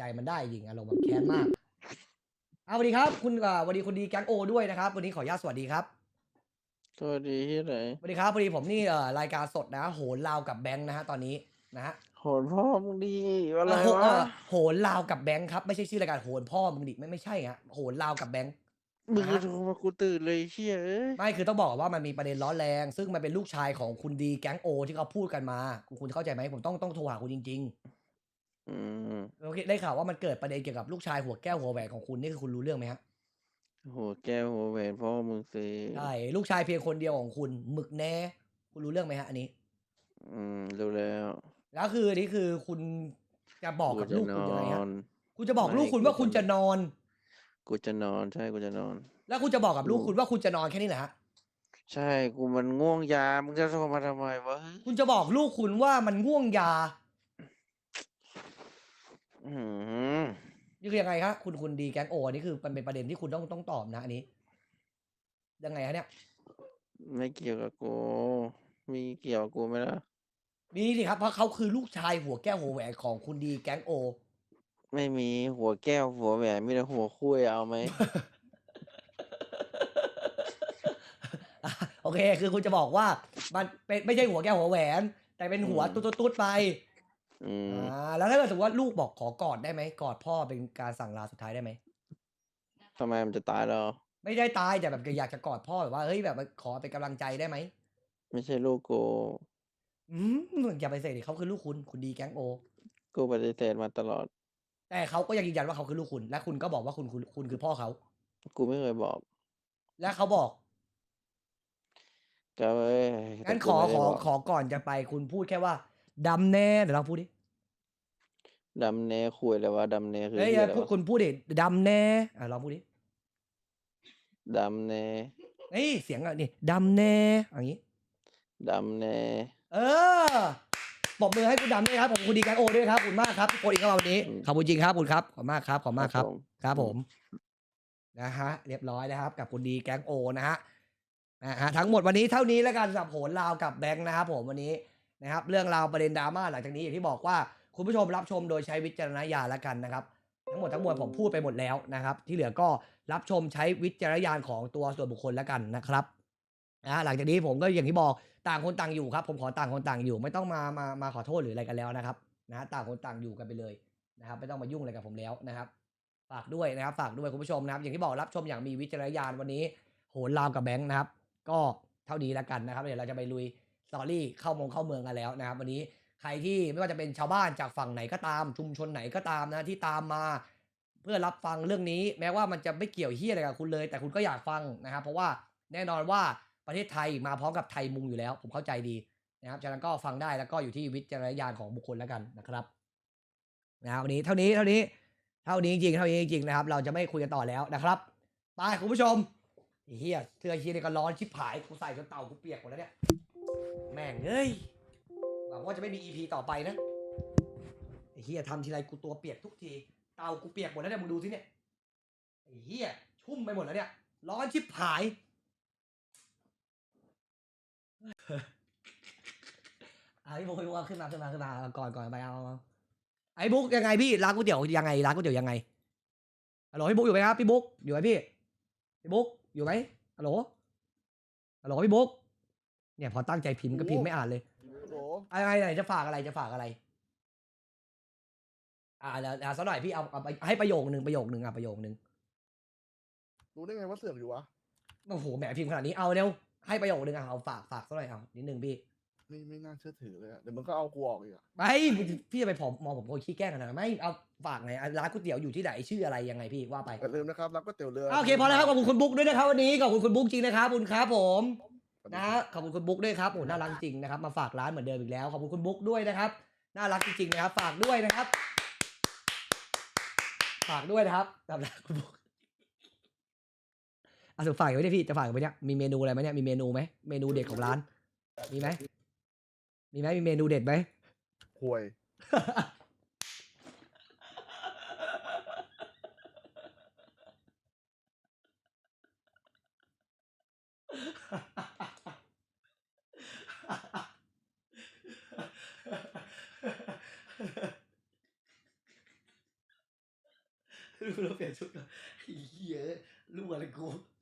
ใจมันได้จริงอารมณ์แบบแค้นมากเอาสวัสดีครับคุณสวัสดีคุณดีแก๊งโอด้วยนะครับวันนี้ขออนุญาตสวัสดีครับตัวดีที่ไหนสวัสดีครับพอดีผมนี่รายการสดนะโหนลาวกับแบงค์นะฮะตอนนี้นะฮะโหดพ่อมึงดีอะไรวะโหนลาวกับแบงค์ครับไม่ใช่ชื่อรายการโหนพ่อมึงดิไม่ใช่ฮะโหนลาวกับแบงค์มึงก็นะฮะโทรมากูตื่นเลยเชี่ยเอ้ยไม่คือต้องบอกว่ามันมีประเด็นร้อนแรงซึ่งมันเป็นลูกชายของคุณดีแก๊งโอที่เขาพูดกันมาคุณเข้าใจไหมผมต้องโทรหาคุณจริงอืมๆโอเคได้ข่าวว่ามันเกิดประเด็นเกี่ยวกับลูกชายหัวแก้วหัวแหวนของคุณนี่คือคุณรู้เรื่องไหมฮะหัวแก้วหัวแหวนพ่อมึงสิใช่ลูกชายเพียงคนเดียวของคุณหมึกแน่คุณรู้เรื่องไหมฮะอันนี้รู้แล้วแล้วคืออันนี้คือคุณจะบอกกูกับลูกจะนอคุณยังไงฮะนคุณจะบอกไม่ลูกคุณว่าคุณจะนอนกูจะนอนใช่กูจะนอนแล้วคุณจะบอกกับกูลูกคุณว่าคุณจะนอนแค่นี้เหรอฮะใช่กูมันง่วงยามึงจะโทรมาทำไมวะคุณจะบอกลูกคุณว่ามันง่วงยาอืมนี่คือยังไงครับคุณดีแก๊งโออันนี้คือมันเป็นประเด็นที่คุณต้องตอบนะอันนี้ยังไงฮะเนี่ยไม่เกี่ยวกับกูมีเกี่ยวกับกูไหมล่ะมีสิครับเพราะเขาคือลูกชายหัวแก้วหัวแหวนของคุณดีแก๊งโอไม่มีหัวแก้วหัวแหวนมีแต่หัวคุยเอาไหมโอเคคือคุณจะบอกว่ามันเป็นไม่ใช่หัวแก้วหัวแหวนแต่เป็นหัวอืมตุ๊ดๆไปอืมแล้วถ้าเกิดสมมติว่าลูกบอกขอกอดได้ไหมกอดพ่อเป็นการสั่งลาสุดท้ายได้ไหมทำไมมันจะตายแล้วไม่ได้ตายแต่แบบอยากจะกอดพ่อแบบว่าเฮ้ยแบบขอเป็นกำลังใจได้ไหมไม่ใช่ลูกกูอือย่าไปเสกดิเขาคือลูกคุณดีแก๊งโอกูปฏิเสธมาตลอดแต่เขาก็ยังยืนยันว่าเขาคือลูกคุณและคุณก็บอกว่าคุณคือพ่อเขากูไม่เคยบอกและเขาบอกก็เอ้ยแต่งั้นกูไม่ได้บอกขอก่อนจะไปคุณพูดแค่ว่าดำแน่เดี๋ยวเราพูดดิดำเนคุยเลยวะดำเนคือเฮ้ยพูดเฮียอะไรวะคุณพูดดิดำแน่ลองพูดดิดำเนเฮ้ยเสียงอ่ะนี่ดำแน่อย่างนี้ดำเนเออปรบมือให้คุณดำด้วยครับผมคุณดีแกงโอด้วยครับขอบคุณมากครับทุกคนอีกครับวันนี้อืมขอบคุณจริงครับขอบคุณครับขอบมากครับขอบครัมากครับบผมครับอืมผมนะฮะเรียบร้อยนะครับกับคุณดีแกงโอนะฮะทั้งหมดวันนี้เท่านี้แล้วกันสำหรับโหนลาวกับแบงค์นะครับผมวันนี้นะครับเรื่องราวประเด็นดราม่าหลังจากนี้อย่างที่บอกว่าคุณผู้ชมรับชมโดยใช้วิจารณญาณแล้วกันนะครับทั้งหมดทั้งมวลผมพูดไปหมดแล้วนะครับที่เหลือก็รับชมใช้วิจารณญาณของตัวส่วนบุคคลแล้วกันนะครับ หลังจากนี้ผมก็อย่างที่บอกต่างคนต่างอยู่ครับผมขอต่างคนต่างอยู่ไม่ต้องมาขอโทษหรืออะไรกันแล้วนะครับนะต่างคนต่างอยู่กันไปเลยนะครับไม่ต้องมายุ่งอะไรกับผมแล้วนะครับฝากด้วยนะครับฝากด้วยคุณผู้ชมนะครับอย่างที่บอกรับชมอย่างมีวิจารณญาณวันนี้โหนลาวกับแบงค์นะครับก็เท่านี้แล้วกันนะครับเดี๋ยวเราจะไปลุยสตอรี่เข้าเมืองกันแล้วนะครับวันนี้ใครที่ไม่ว่าจะเป็นชาวบ้านจากฝั่งไหนก็ตามชุมชนไหนก็ตามนะที่ตามมาเพื่อรับฟังเรื่องนี้แม้ว่ามันจะไม่เกี่ยวเฮียอะไรกับคุณเลยแต่คุณก็อยากฟังนะครับเพราะว่าแน่นอนว่า ประเทศไทยมาพร้อมกับไทยมุงอยู่แล้วผมเข้าใจดีนะครับฉะนั้นก็ฟังได้แล้วก็อยู่ที่วิจารณญาณของบุคคลแล้วกันนะครับวันนี้เท่านี้จริงนะครับเราจะไม่คุยกันต่อแล้วนะครับไปคุณผู้ชมเฮียเสื้อเฮียนี่ก็ร้อนชิบหายกูใส่จนเต่ากูเปียกหมดแล้วเนี่ยแม่งเอ้ยหวังว่าจะไม่มี EP ต่อไปนะเฮียทำทีไรกูตัวเปียกทุกทีเต่ากูเปียกหมดแล้วเนี่ยมึงดูสิเนี่ยเฮียชุ่มไปหมดแล้วเนี่ยร้อนชิบหายพี่บุ๊กขึ้นมาก่อนไปเอาไอ้บุ๊กยังไงพี่ร้านก๋วยเตี๋ยวยังไงร้านก๋วยเตี๋ยวยังไงฮัลโหลพี่บุ๊กอยู่ไหมครับพี่บุ๊กอยู่ไหมพี่บุ๊กอยู่ไหมฮัลโหลพี่บุ๊กเนี่ยพอตั้งใจพิมพ์ก็พิมพ์ไม่อ่านเลยโหลอะไรไหนจะฝากอะไรแล้วสักหน่อยพี่เอาไปให้ประโยคนึงประโยคนึงรู้ได้ไงว่าเสือกอยู่วะโอ้โหแหมพิมพ์ขนาดนี้เอาเร็วให้ประโยคนึงเอาฝากสักหน่อยเอานิดนึงพี่ไม่น่าเชื่อถือเลยอะเดี๋ยวมึงก็เอากูออกอีกอะไม่พี่จะไปมองผมคนขี้แกล้งขนาดนั้นไม่เอาฝากไงร้านก๋วยเตี๋ยวอยู่ที่ไหนชื่ออะไรยังไงพี่ว่าไปอย่าลืมนะครับรับก๋วยเตี๋ยวเรือโอเคพอแล้วครับขอบคุณคุณบุ๊กด้วยนะครับวันนี้ขอบคุณคุณบุ๊กจริงนะครับขอบคุณครับผมสวัสดีนะขอบคุณคุณบุ๊กด้วยครับโอ้น่ารักจริงนะครับมาฝากร้านเหมือนเดิมอีกแล้วขอบคุณคุณบุ๊กด้วยนะครับน่ารักจริงๆนะครับฝากด้วยนะครับฝากด้วยนะครับสำหรับคุณบุ๊กสุดฝากไว้เนี่ยพี่จะฝากไว้เนี่ยมีเมนูอะไรไหมเนี่ยมีเมนูไหมเมนูเด็ดของร้านมีไหมมีเมนูเด็ดไหมห่วยเราเปลี่ยนชุดก่อนไอ้เหี้ยลูกอะไรกู